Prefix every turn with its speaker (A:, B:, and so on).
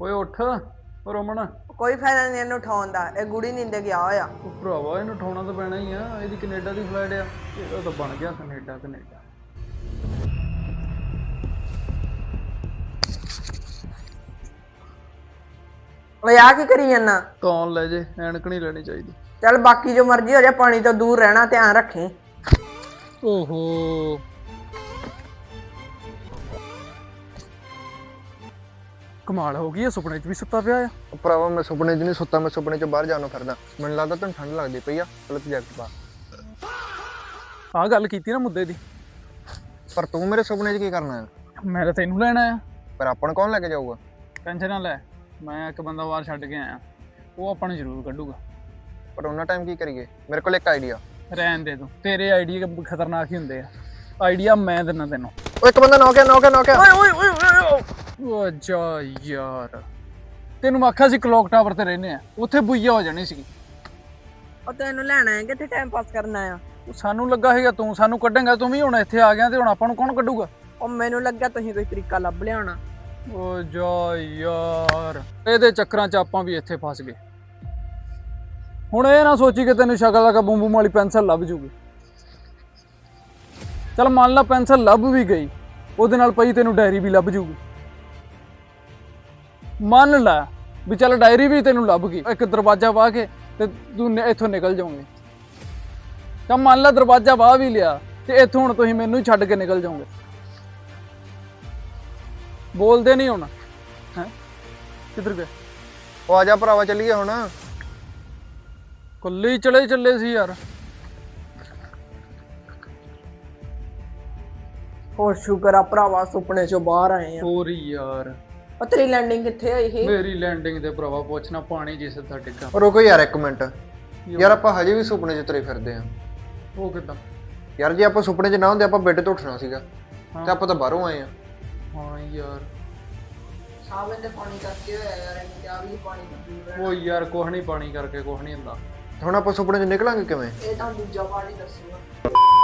A: ਓਏ ਉੱਠ ਓ ਰਮਨ।
B: ਕੋਈ ਫਾਇਦਾ ਨਹੀਂ ਇਹਨੂੰ ਉਠਾਉਣ ਦਾ, ਇਹ ਗੁੜੀ ਨੀਂਦੇ ਗਿਆ ਹੋਇਆ।
A: ਉਹ ਭਰਾਵਾ ਇਹਨੂੰ ਉਠਾਉਣਾ ਤਾਂ ਪੈਣਾ ਹੀ ਆ, ਇਹਦੀ ਕੈਨੇਡਾ ਦੀ ਫਲਾਈਟ ਆ, ਇਹਦਾ ਤਾਂ ਬਣ ਗਿਆ ਕੈਨੇਡਾ।
B: ਓਏ ਆ ਕੀ ਕਰੀ ਜਾਂਦਾ?
A: ਕੌਣ ਲੈ ਜੇ, ਐਨਕ ਨਹੀਂ ਲੈਣੀ ਚਾਹੀਦੀ।
B: ਚੱਲ ਬਾਕੀ ਜੋ ਮਰਜ਼ੀ ਹੋ ਜਾ, ਪਾਣੀ ਤੋਂ ਦੂਰ ਰਹਿਣਾ, ਧਿਆਨ ਰੱਖੀ।
A: ਓਹੋ ਕਮਾਲ ਹੋ ਗਈ, ਇਹ ਸੁਪਨੇ 'ਚ ਵੀ ਸੁੱਤਾ ਪਿਆ ਆ।
C: ਭਰਾਵਾ ਮੈਂ ਸੁਪਨੇ 'ਚ ਨਹੀਂ ਸੁੱਤਾ, ਮੈਂ ਸੁਪਨੇ 'ਚ ਬਾਹਰ ਜਾਣੋਂ ਫਿਰਦਾ। ਮੈਨੂੰ ਲੱਗਦਾ ਤੈਨੂੰ ਠੰਡ ਲੱਗਦੀ ਪਈ ਆ, ਗਲਤ ਜੈਕਟ ਪਾ।
A: ਆਹ ਗੱਲ ਕੀਤੀ ਨਾ ਮੁੱਦੇ ਦੀ,
C: ਪਰ ਤੂੰ ਮੇਰੇ ਸੁਪਨੇ 'ਚ ਕੀ ਕਰਨਾ ਹੈ?
A: ਮੈਂ ਤਾਂ ਤੈਨੂੰ ਲੈਣਾ ਆ।
C: ਪਰ ਆਪਾਂ ਨੂੰ ਕੌਣ ਲੈ ਕੇ ਜਾਊਗਾ?
A: ਟੈਨਸ਼ਨ ਨਾ ਲੈ, ਮੈਂ ਇੱਕ ਬੰਦਾ ਬਾਹਰ ਛੱਡ ਕੇ ਆਇਆ, ਉਹ ਆਪਾਂ ਨੂੰ ਜ਼ਰੂਰ ਕੱਢੂਗਾ।
C: ਪਰ ਉਹਨਾਂ ਟਾਈਮ ਕੀ ਕਰੀਏ? ਮੇਰੇ ਕੋਲ ਇੱਕ ਆਈਡੀਆ।
A: ਰਹਿਣ ਦੇ ਤੂੰ, ਤੇਰੇ ਆਈਡੀਆ ਖਤਰਨਾਕ ਹੀ ਹੁੰਦੇ ਆ। ਆਈਡੀਆ ਮੈਂ ਦਿੰਦਾ ਤੈਨੂੰ।
C: ਉਹ ਇੱਕ ਬੰਦਾ ਨੌਕਿਆ।
A: ਓ ਜਾ ਯਾਰ, ਤੈਨੂੰ ਮੈਂ ਆਖਿਆ ਸੀ ਕਲੌਕ ਟਾਵਰ ਤੇ ਰਹਿੰਦੇ ਆ, ਉੱਥੇ ਬੁਈਆ ਹੋ ਜਾਣੀ ਸੀ।
B: ਉਹ ਤੈਨੂੰ ਲੈਣਾ ਹੈ, ਕਿੱਥੇ ਟਾਈਮ ਪਾਸ ਕਰਨਾ ਆ?
A: ਸਾਨੂੰ ਲੱਗਾ ਸੀਗਾ ਤੂੰ ਸਾਨੂੰ ਕੱਢੇਂਗਾ, ਤੂੰ ਵੀ ਹੁਣ ਇੱਥੇ ਆ ਗਿਆ ਤੇ ਹੁਣ ਆਪਾਂ ਨੂੰ ਕੌਣ ਕੱਢੂਗਾ?
B: ਉਹ ਮੈਨੂੰ ਲੱਗਿਆ ਤੁਸੀਂ ਕੋਈ ਤਰੀਕਾ ਲੱਭ ਲਿਆ ਹੋਣਾ।
A: ਓ ਜਾ ਯਾਰ, ਇਹਦੇ ਚੱਕਰਾਂ 'ਚ ਆਪਾਂ ਵੀ ਇੱਥੇ ਫਸ ਗਏ। ਹੁਣ ਇਹ ਨਾ ਸੋਚੀ ਕਿ ਤੈਨੂੰ ਸ਼ਕਲ ਲਗਾ ਬੂਮ ਬੂਮ ਵਾਲੀ ਪੈਨਸਲ ਲੱਭ ਜੂਗੀ। ਚੱਲ ਮੰਨ ਲਾ ਪੈਨਸਲ ਲੱਭ ਵੀ ਗਈ, ਉਹਦੇ ਨਾਲ ਪਈ ਤੈਨੂੰ ਡਾਇਰੀ ਵੀ ਲੱਭ ਜੂਗੀ। ਮੰਨ ਲੈ ਵੀ ਚੱਲ ਡਾਇਰੀ ਵੀ ਤੈਨੂੰ ਲੱਭ ਗਈ, ਇੱਕ ਦਰਵਾਜ਼ਾ ਵਾਹ ਕੇ ਤੇ ਤੂੰ ਇੱਥੋਂ ਨਿਕਲ ਜਾਓਗੇ। ਤਾਂ ਮੰਨ ਲਾ ਦਰਵਾਜ਼ਾ ਵਾਹ ਵੀ ਲਿਆ ਤੇ ਇੱਥੋਂ ਹੁਣ ਤੁਸੀਂ ਮੈਨੂੰ ਹੀ ਛੱਡ ਕੇ ਨਿਕਲ ਜਾਓਗੇ। ਬੋਲਦੇ ਨਹੀਂ ਹੁਣ, ਹੈ ਕਿੱਧਰ ਗਏ?
C: ਉਹ ਆ ਜਾ ਭਰਾਵਾ, ਚੱਲੀਏ ਹੁਣ।
A: ਕੱਲੇ ਹੀ ਚੱਲੇ ਸੀ ਯਾਰ।
B: ਹੋਰ ਸ਼ੁਕਰ ਆ ਭਰਾਵਾ, ਸੁਪਨੇ ਚੋਂ ਬਾਹਰ ਆਏ ਆ।
A: ਹੋਰ ਯਾਰ,
B: ਉਹ ਤੇਰੀ ਲੈਂਡਿੰਗ ਕਿੱਥੇ ਹੋਈ ਸੀ?
A: ਮੇਰੀ ਲੈਂਡਿੰਗ ਤੇ ਭਰਾਵਾ ਪੁੱਛਣਾ, ਪਾਣੀ ਜਿਸ ਸਿੱਧਾ ਡਿੱਗਾ।
C: ਰੁਕੋ ਯਾਰ ਇੱਕ ਮਿੰਟ, ਯਾਰ ਆਪਾਂ ਹਜੇ ਵੀ ਸੁਪਨੇ 'ਚ ਤੁਰੇ ਫਿਰਦੇ ਆ।
A: ਉਹ ਕਿੱਦਾਂ?
C: ਯਾਰ ਜੇ ਆਪਾਂ ਸੁਪਨੇ 'ਚ ਨਾ ਹੁੰਦੇ, ਆਪਾਂ ਬੈੱਡ ਤੋਂ ਉੱਠਣਾ ਸੀਗਾ ਤੇ ਆਪਾਂ ਤਾਂ ਬਾਹਰੋਂ ਆਏ ਆ।
A: ਹਾਂ ਯਾਰ,
B: ਸਾਵੇਂ ਤੇ ਪਾਣੀ ਕਰਕੇ ਹੋਇਆ ਯਾਰ, ਇਹਨੂੰ ਕਿਹਾ ਵੀ ਪਾਣੀ ਤੋਂ ਦੂਰ ਰਹਿਣਾ।
A: ਉਹ ਯਾਰ ਕੁਛ ਨਹੀਂ, ਪਾਣੀ ਕਰਕੇ ਕੁਛ ਨਹੀਂ ਹੁੰਦਾ।
C: ਹੁਣ ਆਪਾਂ ਸੁਪਨੇ 'ਚ ਨਿਕਲਾਂਗੇ ਕਿਵੇਂ?
B: ਇਹ ਤਾਂ ਦੂਜਾ ਪਾਣੀ ਦੱਸੂਗਾ।